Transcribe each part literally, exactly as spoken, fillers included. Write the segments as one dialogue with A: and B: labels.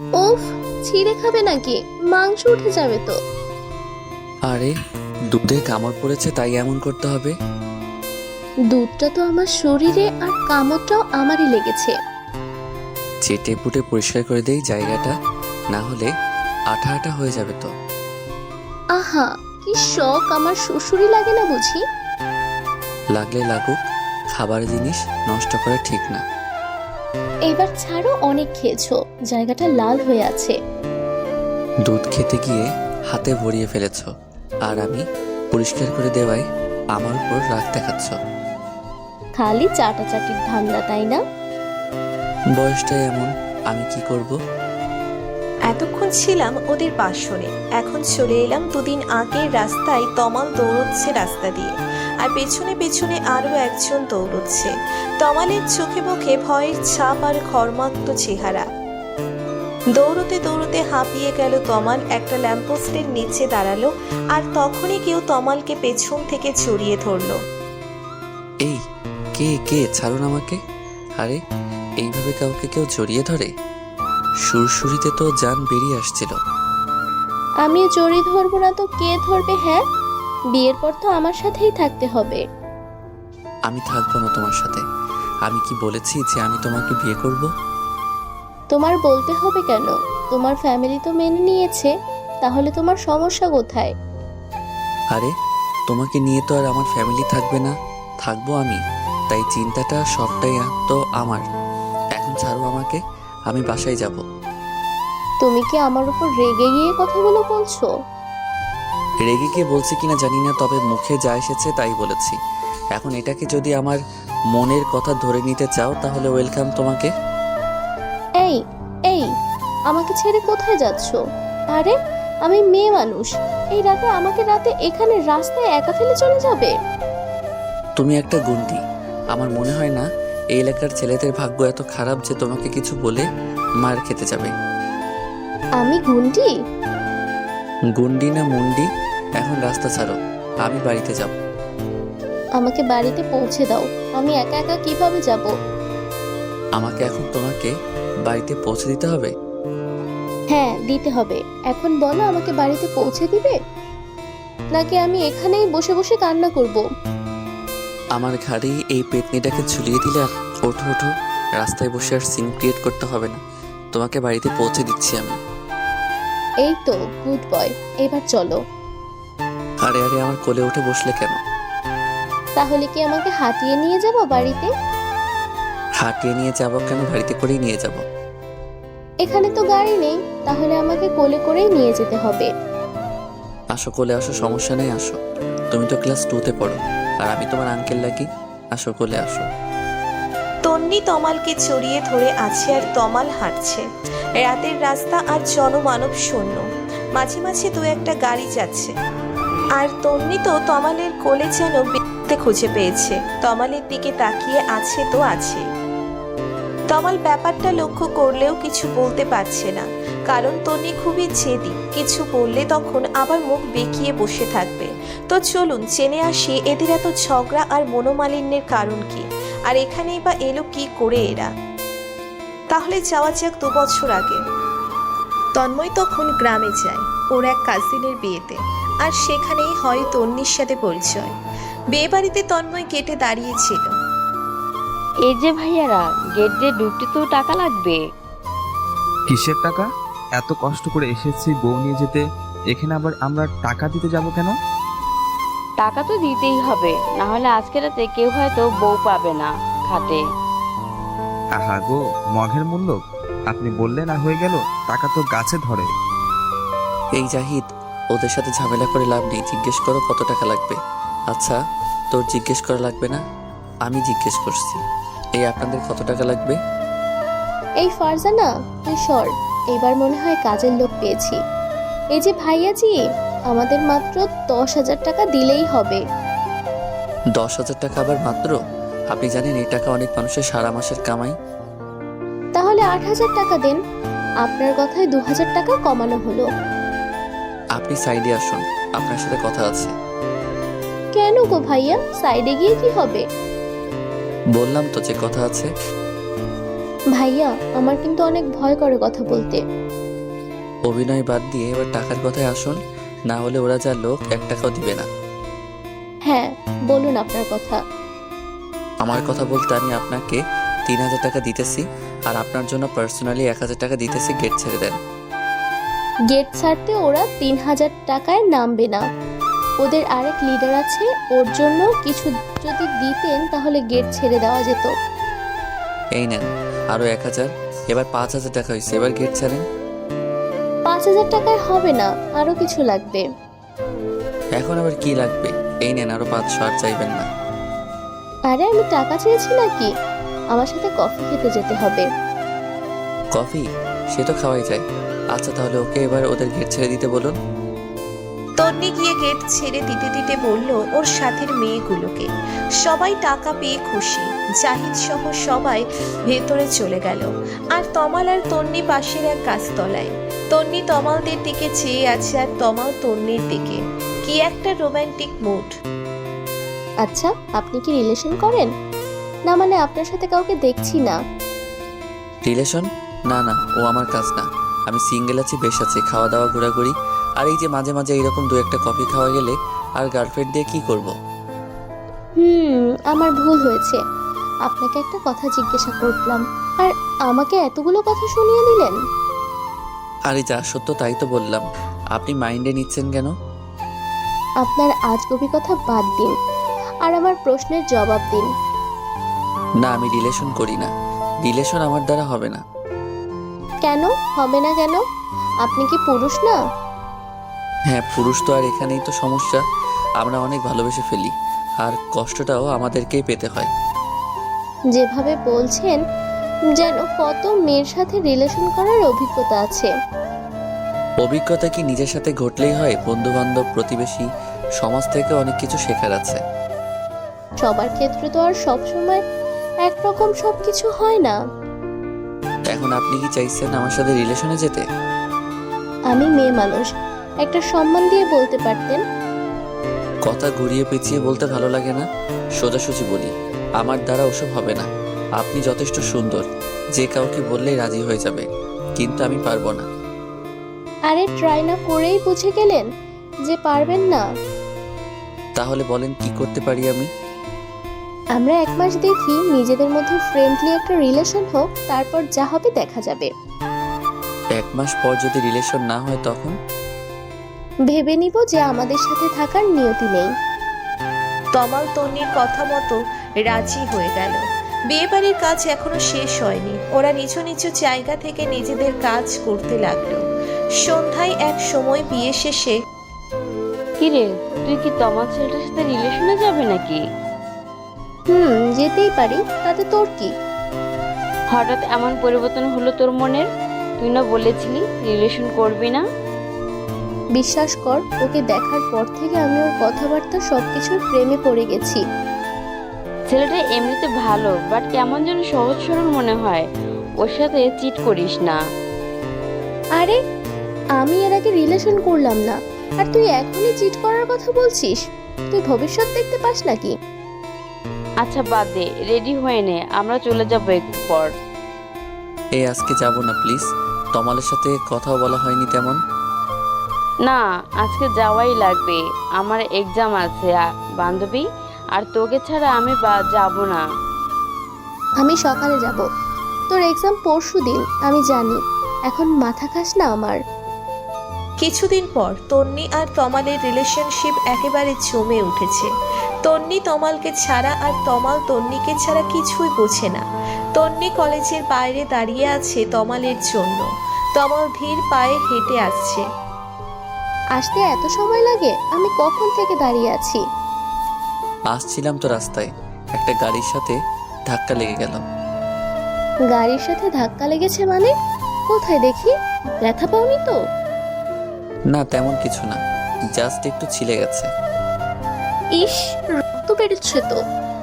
A: ওফ, ছিঁড়ে খাবে নাকি? মাংস উঠে যাবে তো।
B: আরে দুধে কামড় পড়েছে তাই এমন করতে হবে?
A: দুধটা তো আমার শরীরে আর কামড়টাও আমারই লেগেছে।
B: চেটে পুটে পরিষ্কার করে দেই জায়গাটা, না হলে আঠা আঠা হয়ে যাবে তো।
A: আহা, কি শখ! আমার শ্বশুরই লাগে না বুঝি?
B: লাগলে লাগুক, খাবার জিনিস নষ্ট করা ঠিক না।
A: এবার ছাড়ো, অনেক খেয়েছো, জায়গাটা লাল হয়ে আছে।
B: দুধ খেতে গিয়ে হাতে ভরিয়ে ফেলেছ, আর আমি পরিষ্কার করে দেওয়ায় আমার উপর রাগ দেখাচ্ছ।
A: খালি চাটাচাটির ধান্দা, তাই না?
B: বয়সটাই এমন, আমি কি করব?
C: এতক্ষণ ছিলাম ওদের বাসনে, এখন চলে এলাম দুদিন আগের রাস্তায়। তমাল দৌড়চ্ছে রাস্তা দিয়ে, আর পেছনে পেছনে আরো একজন দৌড়চ্ছে। তমালের চোখে মুখে ভয়ের ছাপ আর ঘর্মাক্ত চেহারা। দৌড়তে দৌড়তে হাঁপিয়ে গেল তমাল, একটা ল্যাম্পপোস্টের নিচে দাঁড়ালো, আর তখনই কেউ তমালকে পেছন থেকে জড়িয়ে ধরলো।
B: এই কে কে ছাড়ুন আমাকে। আরে এইভাবে কাউকে কেউ জড়িয়ে ধরে? সুরসুরিতে তো জান বেরিয়ে আসছিল।
A: আমি জড়িয়ে ধরবো না তো কে ধরবে? হ্যাঁ, বিয়ের পর তো আমার সাথেই থাকতে হবে।
B: আমি থাকবো না তোমার সাথে। আমি কি বলেছি যে আমি তোমাকে বিয়ে করব?
A: তোমার বলতে হবে কেন? তোমার ফ্যামিলি তো মেনে নিয়েছে, তাহলে তোমার সমস্যা কোথায়?
B: আরে তোমাকে নিয়ে তো আর আমার ফ্যামিলি থাকবে না, থাকবো আমি। তাই চিন্তাটা সবটাই তো আমার। এখন ছাড়ো আমাকে, আমি বাসায় যাব।
A: তুমি কি আমার উপর রেগে গিয়ে কথাগুলো বলছো?
B: রেগে গিয়ে বলছি কিনা জানি না, তবে মুখে যা এসেছে তাই বলেছি। এখন এটাকে যদি আমার মনের কথা ধরে নিতে চাও তাহলে ওয়েলকাম তোমাকে।
A: এই এই আমাকে ছেড়ে কোথায় যাচ্ছো? আরে আমি মেয়ে মানুষ, এই রাতে আমাকে রাতে এখানে রাস্তায় একা ফেলে চলে যাবে?
B: তুমি একটা গুন্ডি। আমার মনে হয় না এই এলাকার ছেলেদের ভাগ্য এত খারাপ যে তোমাকে কিছু বলে মার খেতে যাবে।
A: আমি গুন্ডি?
B: গুন্ডি না মুন্ডি, এখন রাস্তা ছাড়ো, আমি বাড়িতে যাব।
A: আমাকে বাড়িতে পৌঁছে দাও, আমি একা একা কিভাবে যাব?
B: আমাকে এখন তোমাকে বাড়িতে পৌঁছে দিতে হবে?
A: হ্যাঁ দিতে হবে। এখন বলো, আমাকে বাড়িতে পৌঁছে দিবে নাকি আমি এখানেই বসে বসে কান্না করব?
B: আমার ঘাড়ে এই পেতনিটাকে ঝুলিয়ে দিলে আর ওঠো ওঠো, রাস্তায় বসে আর সিন ক্রিয়েট করতে হবে না, তোমাকে বাড়িতে পৌঁছে দিচ্ছি আমি।
A: এই তো গুড বয়, এবার চলো।
B: আরে আরে আমার কোলে উঠে বসলে কেন?
A: তাহলে কি আমাকে হাঁটিয়ে নিয়ে যাবো বাড়িতে?
B: হাঁটিয়ে নিয়ে যাবো কেন, বাড়িতে করেই নিয়ে যাব।
A: এখানে তো গাড়ি নেই, তাহলে আমাকে কোলে করেই নিয়ে যেতে হবে।
B: আসো কোলে আসো, সমস্যা নেই, আসো। তুমি তো ক্লাস টুতে পড়ো, আর আমি তোমার আঙ্কেল লাগি। আসো কোলে আসো।
C: তন্নি তমালকে জড়িয়ে ধরে আছে, আর তমাল হাঁটছে। রাতের রাস্তা আর জনমানব শূন্য, মাঝে মাঝে দু একটা গাড়ি যাচ্ছে। আর তন্নি তো তমালের কোলে যেন বেঁধে খুঁজে পেয়েছে, তমালের দিকে তাকিয়ে আছে তো আছে। তমাল ব্যাপারটা লক্ষ্য করলেও কিছু বলতে পারছে না, কারণ তন্নি খুবই জেদি, কিছু বললে তখন আবার মুখ বেঁকিয়ে বসে থাকবে। তো চলুন জেনে আসি এদের এত ঝগড়া আর মনোমালিন্যের কারণ কি, আর এখানেই বা এলো কি করে এরা। তাহলে যাওয়া যাক দু বছর আগে। তন্ময় তখন গ্রামে যায় ওর এক কাজিনের বিয়েতে, আর সেখানেই হয় তন্নির সাথে পরিচয়। বিয়ে বাড়িতে তন্ময় গেটে দাঁড়িয়েছিল।
D: এই যে ভাইয়ারা, গেট দিয়ে ঢুকতে তো টাকা লাগবে।
E: কিসের টাকা? এত কষ্ট করে এসেছি বউ নিয়ে যেতে, এখানে আবার আমরা টাকা দিতে যাব কেন?
D: টাকা তো দিতেই হবে, না হলে আজকে রাতে কেউ হয়তো বউ পাবে না খাটে।
E: আহা গো, মঘের মূল্য আপনি বললেন আর হয়ে গেল, টাকা তো গাছে ধরে।
B: এই জাহিদ, ওদের সাথে ঝামেলা করে লাভ নেই, জিজ্ঞেস করো কত টাকা লাগবে। আচ্ছা তোর জিজ্ঞেস করা লাগবে না, আমি জিজ্ঞেস করছি। এই আপনাদের কত টাকা লাগবে?
A: এই ফারজানা, তুই সর, এবার মনে হয় কাজের লোক পেয়েছি। এই যে ভাইয়াজি, আমাদের মাত্র দশ হাজার টাকা দিলেই হবে।
B: দশ হাজার টাকা আবার মাত্র? আপনি জানেন এই টাকা অনেক মানুষের সারা মাসের কামাই।
A: তাহলে আট হাজার টাকা দেন, আপনার কথায় দু হাজার টাকা কমানো হলো।
B: আপনি সাইডে আসুন, আপনার সাথে কথা আছে।
A: কেন গো ভাইয়া, সাইডে গিয়ে কি হবে?
B: বললাম তো যে কথা আছে।
A: ভাইয়া, আমার কিন্তু অনেক ভয় করে কথা বলতে।
B: অভিনয় বাদ দিয়ে এবার টাকার কথায় আসুন, না হলে ওরা যা লোক এক টাকাও দিবে না।
A: হ্যাঁ, বলুন আপনার কথা।
B: আমার কথা বলতে আমি আপনাকে তিন হাজার টাকা দিতেছি, আর আপনার জন্য পার্সোনালি এক হাজার টাকা দিতেছি, গেট ছেড়ে দেন।
A: গেট ছাড়তে ওরা তিন হাজার টাকায় নামবে না। ওদের আরেক লিডার আছে, ওর জন্য কিছু যদি দিতেন তাহলে গেট ছেড়ে দেওয়া যেত।
B: এই নেন আরও এক হাজার, এবার পাঁচ হাজার টাকা হয়েছে, এবার গেট ছাড়েন।
A: পাঁচ হাজার টাকায় হবে না, আরো কিছু লাগবে।
B: এখন আবার কি লাগবে? এই নেন আরও পাঁচশো, আর চাইবেন না।
A: আরে আমি টাকা চেয়েছি নাকি? আমার সাথে কফি খেতে যেতে হবে।
B: কফি? সে তো খাওয়াই যায়। আচ্ছা তাহলে ওকে এবার ওদের গেট ছেড়ে দিতে বলুন।
C: তন্নি গিয়ে গেট ছেড়ে দিতে দিতে বলল ওর সাথের মেয়েগুলোকে। সবাই টাকা পেয়ে খুশি, জাহিদ সহ সবাই ভেতরে চলে গেল। আর তমাল আর তন্নি পাশের এক গাছতলায়। তন্নি তমালদের দিকে চেয়ে আছে, আর তমাল তন্নির দিকে। কি একটা রোমান্টিক মুড।
A: আচ্ছা, আপনি কি রিলেশন করেন? না মানে আপনার সাথে কাউকে দেখছি না।
B: রিলেশন? না না, ও আমার কাজ না। আমি সিঙ্গেল আছি, বেশ আছি, খাওয়া দাওয়া ঘোরাঘুরি, আর এই যে মাঝে মাঝে এইরকম দু একটা কফি খাওয়া গেলে। আর গার্লফ্রেন্ড দিয়ে কি করব?
A: হুম আমার ভুল হয়েছে, আপনাকে একটা কথা জিজ্ঞাসা করলাম আর আমাকে এতগুলো কথা শুনিয়ে দিলেন।
B: আরে যা সত্য তাই তো বললাম, আপনি মাইন্ডে নিচ্ছেন কেন?
A: আপনার আজগুবি কথা বাদ দিন আর আমার প্রশ্নের জবাব দিন।
B: না, আমি রিলেশন করি না। রিলেশন আমার দ্বারা হবে না।
A: কেন হবে না? কেন? আপনি কি পুরুষ না?
B: হ্যাঁ পুরুষ তো, আর এখানেই তো সমস্যা। আমরা অনেক ভালোবেসে ফেলি, আর কষ্টটাও আমাদেরকেই পেতে হয়।
A: যেভাবে বলছেন যেন কত মেয়ের সাথে রিলেশন করার অভিজ্ঞতা আছে।
B: অভিজ্ঞতা কি নিজের সাথে ঘটলেই হয়? বন্ধু বান্ধব, প্রতিবেশী, সমাজ থেকে অনেক কিছু শেখার আছে।
A: সবার ক্ষেত্রে তো আর সবসময় একরকম সব কিছু হয় না।
B: এখন আপনি কি চাইছেন আমার সাথে রিলেশনে যেতে?
A: আমি মেয়ে মানুষ, একটা সম্মান দিয়ে বলতে পারতেন।
B: কথা ঘুরিয়ে পেঁচিয়ে বলতে ভালো লাগে না, সোজাসুজি বলি। আমার দ্বারা ওসব হবে না। আপনি যথেষ্ট সুন্দর, যে কাউকে বললেই রাজি হয়ে যাবে, কিন্তু আমি পারবো না।
A: আরে ট্রাই না করেই বুঝে গেলেন যে পারবেন না।
B: তাহলে বলেন কি করতে পারি আমি?
A: আমরা এক মাস দেখি নিজেদের মধ্যে ফ্রেন্ডলি একটা রিলেশন হোক, তারপর যা হবে দেখা যাবে।
B: এক মাস পর যদি রিলেশন না হয় তখন?
A: ভেবে নিব যে আমাদের সাথে থাকার নিয়তি নেই।
C: তমাল তন্নির কথা মতো রাজি হয়ে গেল। বিয়েবাড়ির কাজ এখনো শেষ হয়নি। ওরা নিজ নিজ জায়গা থেকে নিজেদের কাজ করতে লাগলো। সন্ধ্যায় এক সময় বিয়ে শেষে
D: কিরে, তুই কি তোমার ছেলেটার সাথে রিলেশনে যাবে নাকি?
A: হুম যেতেই পারি, তাতে তোর কি?
D: হঠাৎ এমন পরিবর্তন হলো তোর মনের? তুই না বলেছিলি রিলেশন করবি না?
A: বিশ্বাস কর, ওকে দেখার পর থেকে আমি ওর কথাবার্তা সবকিছুর প্রেমে পড়ে গেছি।
D: ছেলেটা এমনিতে ভালো, বাট কেমন যেন সহজ সরল মনে হয়। ওর সাথে চিট করিস না।
A: আরে আমি এর আগে রিলেশন করলাম না, আর তুই এখনই চিট করার কথা বলছিস? তুই ভবিষ্যৎ দেখতে পাস নাকি?
D: আচ্ছা বাদ দে, রেডি হয়ে নে, আমরা চলে যাবো একটু পর।
B: এই আজকে যাব না প্লিজ। তমালের সাথে কথাও বলা হয়নি তেমন।
D: না, আজকে যাওয়াই লাগবে, আমার এক্সাম আছে আ- বান্ধবী, আর তোকে ছাড়া আমি বা যাব না।
A: আমি সকালে যাব, তোর এক্সাম পরশু দিন, আমি জানি। এখন মাথা খাস না আমার।
C: কিছুদিন পর তন্নি আর তমালের রিলেশনশিপ একেবারে জমে উঠেছে। তন্নি তমালকে ছাড়া আর তমাল তন্নিকে ছাড়া কিছুই বোঝে না। তন্নি কলেজের বাইরে দাঁড়িয়ে আছে তমালের জন্য। তমাল ধীর পায়ে হেঁটে আসছে।
A: আসতে এত সময় লাগে? আমি কখন থেকে দাঁড়িয়ে আছি।
B: আসছিলাম তো রাস্তায়, একটা গাড়ির সাথে ধাক্কা লেগে গেল।
A: গাড়ির সাথে ধাক্কা লেগেছে মানে? কোথায় দেখি? ব্যথা পাওনি তো?
B: না তেমন কিছু না, জাস্ট একটু ছিলে গেছে।
A: ইস, রক্ত বেরোচ্ছে তো।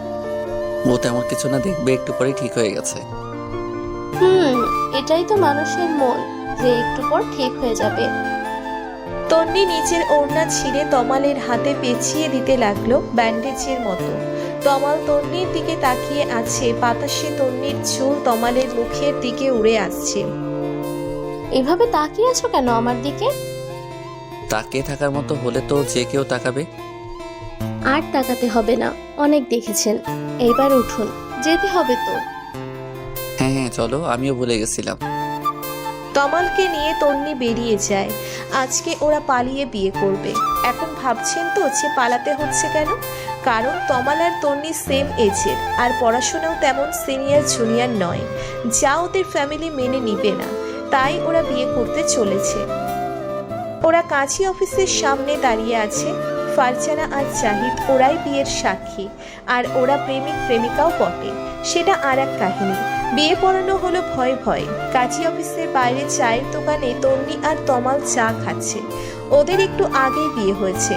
B: ও তেমন কিছু না, দেখবে একটু পরে ঠিক হয়ে গেছে।
A: হুম এটাই তো মানুষের মন, যে একটু পর ঠিক হয়ে যাবে।
C: তন্নি নিচের ওড়না ছিঁড়ে তমালের হাতে পেঁচিয়ে দিতে লাগলো ব্যান্ডেজের মতো। তমাল তন্নির দিকে তাকিয়ে আছে, বাতাসে তন্নির চুল তমালের মুখের দিকে উড়ে আসছে।
A: এভাবে তাকিয়ে আছো কেন আমার দিকে?
B: তাকিয়ে থাকার মতো হলে তো যে কেউ তাকাবে।
A: আর তাকাতে হবে না, অনেক দেখেছেন। এইবার উঠুন, যেতে হবে তো।
B: হ্যাঁ হ্যাঁ চলো, আমিও ভুলে গেছিলাম।
C: তমালকে নিয়ে তন্নি বেরিয়ে যায়। আজকে ওরা পালিয়ে বিয়ে করবে। এখন ভাবছেন তো যে পালাতে হচ্ছে কেন? কারণ তমাল আর তন্নি সেম এজের, আর পড়াশোনাও তেমন সিনিয়র জুনিয়র নয়, যা ওদের ফ্যামিলি মেনে নিবে না। তাই ওরা বিয়ে করতে চলেছে। ওরা কাজী অফিসের সামনে দাঁড়িয়ে আছে। ফারজানা আর জাহিদ ওরাই বিয়ের সাক্ষী, আর ওরা প্রেমিক প্রেমিকাও বটে, সেটা আর এক কাহিনী। বিয়ে পড়ানো হলো ভয় ভয়। কাজী অফিসের বাইরে চায়ের দোকানে তন্নি আর তমাল চা খাচ্ছে। ওদের একটু আগেই বিয়ে হয়েছে।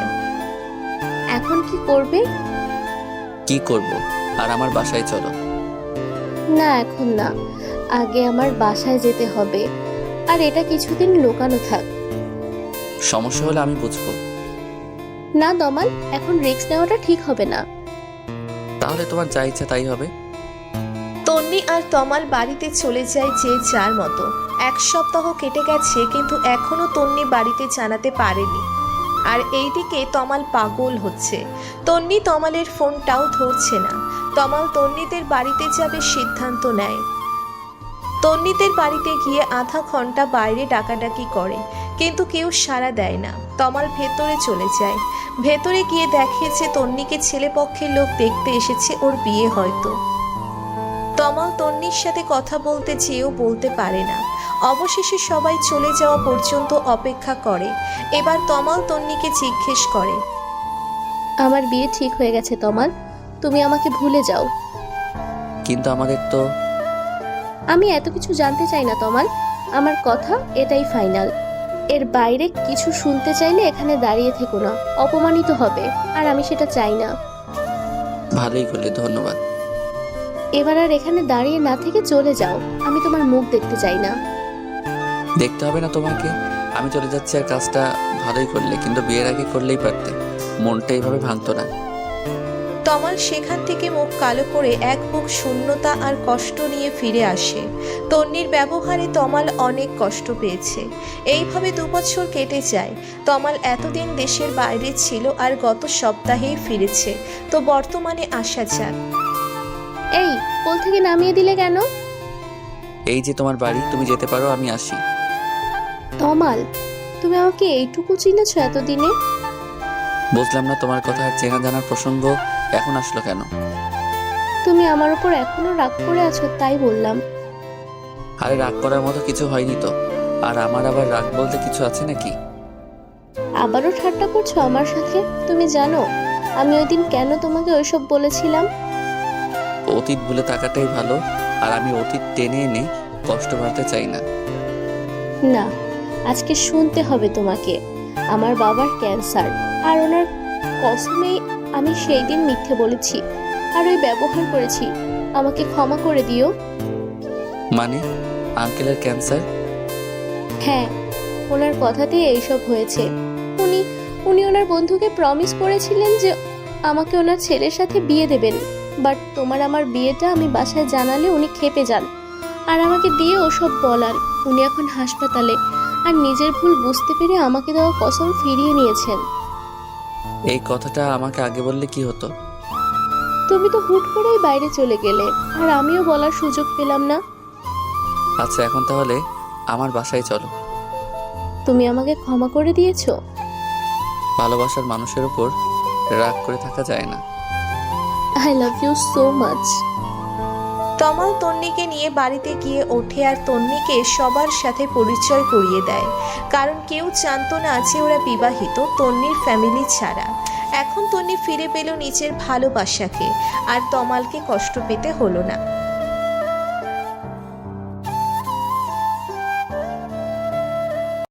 A: এখন কি করবে?
B: কি করব? আর আমার বাসায় চলো।
A: না এখন না, আগে আমার বাসায় যেতে হবে। আর এটা কিছুদিন লুকানো থাক।
B: সমস্যা হলে আমি বুঝবো।
A: না তমাল, এখন রিস্ক নেওয়াটা ঠিক হবে না।
B: তাহলে তোমার যা ইচ্ছা তাই হবে।
C: তন্নি আর তমাল বাড়িতে চলে যায় যে যার মতো। এক সপ্তাহ কেটে গেছে, কিন্তু এখনো তন্নি বাড়িতে জানাতে পারেনি। আর এইদিকে তমাল পাগল হচ্ছে। তন্নি তমালের ফোনটাও ধরছে না। তমাল তন্নিদের বাড়িতে যাবে সিদ্ধান্ত নেয়। তন্নিদের বাড়িতে গিয়ে আধা ঘন্টা বাইরে ডাকাডাকি করে, কিন্তু কেউ সাড়া দেয় না। তমাল ভেতরে চলে যায়। ভেতরে গিয়ে দেখে যে তন্নিকে ছেলেপক্ষের লোক দেখতে এসেছে, ওর বিয়ে হয়তো। তমাল তন্নির সাথে কথা বলতে চেয়েও বলতে পারে না। অবশেষে সবাই চলে যাওয়া পর্যন্ত অপেক্ষা করে। এবার তমাল তন্নিকে জিজ্ঞেস করে,
A: আমার বিয়ে ঠিক হয়ে গেছে তমাল, তুমি আমাকে ভুলে যাও।
B: কিন্তু আমাদের তো।
A: আমি এত কিছু জানতে চাই না তমাল, আমার কথা এটাই ফাইনাল। এর বাইরে কিছু শুনতে চাইলে এখানে দাঁড়িয়ে থেকো না, অপমানিত হবে, আর আমি সেটা চাই না।
B: ভালোই করলে, ধন্যবাদ।
A: এবার আর এখানে দাঁড়িয়ে না থেকে চলে যাও, আমি তোমার মুখ দেখতে চাই না।
B: দেখতে হবে না তোমাকে। আমি চলে যাচ্ছি। আর কাজটা ভালোই করলে, কিন্তু বিয়ের আগে করলেই পারতে, মনটা এইভাবে ভাঙতো না।
C: তমাল সেখান থেকে মুখ কালো করে এক বুক শূন্যতা আর কষ্ট নিয়ে ফিরে আসে। তন্নির ব্যবহারে তমাল অনেক কষ্ট পেয়েছে। এইভাবে দু বছর কেটে যায়। তমাল এতদিন দেশের বাইরে ছিল, আর গত সপ্তাহেই ফিরেছে। তো বর্তমানে আসা যাক।
A: এই কোল থেকে নামিয়ে দিলে কেন?
B: এই যে তোমার বাড়ি, তুমি যেতে পারো, আমি আসি।
A: তমাল, তুমি আমাকে এইটুকু চিনেছো এতদিনে?
B: বুঝলাম না তোমার কথা। আর চেনা জানার প্রসঙ্গ এখন আসলো কেন?
A: তুমি আমার উপর এখনো রাগ করে আছো, তাই বললাম।
B: আরে রাগ করার মতো কিছু হয়নি তো। আর আমার আবার রাগ বলতে কিছু আছে নাকি?
A: আবারও ঠাট্টা করছো আমার সাথে? তুমি জানো আমি ওই দিন কেন তোমাকে ওইসব বলেছিলাম?
B: অতীত ভুলে থাকাটাই ভালো। আর আমি অতীত টেনে এনে কষ্ট বাড়তে চাই না।
A: না, আজকে শুনতে হবে তোমাকে। আমার বাবার ক্যান্সার, আর ওনার কসমেই আমি সেই দিন মিথ্যে বলেছি আর ওই ব্যবহার করেছি। আমাকে ক্ষমা করে দিও।
B: মানে আঙ্কেলের ক্যান্সার?
A: হ্যাঁ, ওনার কথাতেই এইসব হয়েছে। উনি উনি ওনার বন্ধুকে প্রমিস করেছিলেন যে আমাকে ওনার ছেলের সাথে বিয়ে দেবেন। বাট তোমার আমার বিয়েটা আমি বাসায় জানালে উনি ক্ষেপে যান আর আমাকে দিয়ে ওসব বলান। উনি এখন হাসপাতালে, আর নিজের ভুল বুঝতে পেরে আমাকে দেওয়া কসম ফিরিয়ে নিয়েছেন।
B: এই কথাটা আমাকে আগে বললে কি হতো?
A: তুমি তো হুট করেই বাইরে চলে গেলে, আর আমিও বলার সুযোগ পেলাম না।
B: আচ্ছা, এখন তাহলে আমার বাসায় চলো।
A: তুমি আমাকে ক্ষমা করে দিয়েছো?
B: ভালোবাসার মানুষের উপর রাগ করে থাকা যায় না।
A: I love you so much.
C: Tamal তন্নিকে নিয়ে বাড়িতে গিয়ে ওঠে, আর তন্নিকে সবার সাথে পরিচয় করিয়ে দেয়। কারণ কেউ জানতো না যে ওরা বিবাহিত, তন্নির ফ্যামিলি ছাড়া। এখন তন্নি ফিরে পেল নিজের ভালোবাসাকে, আর তমালকে কষ্ট পেতে হলো না।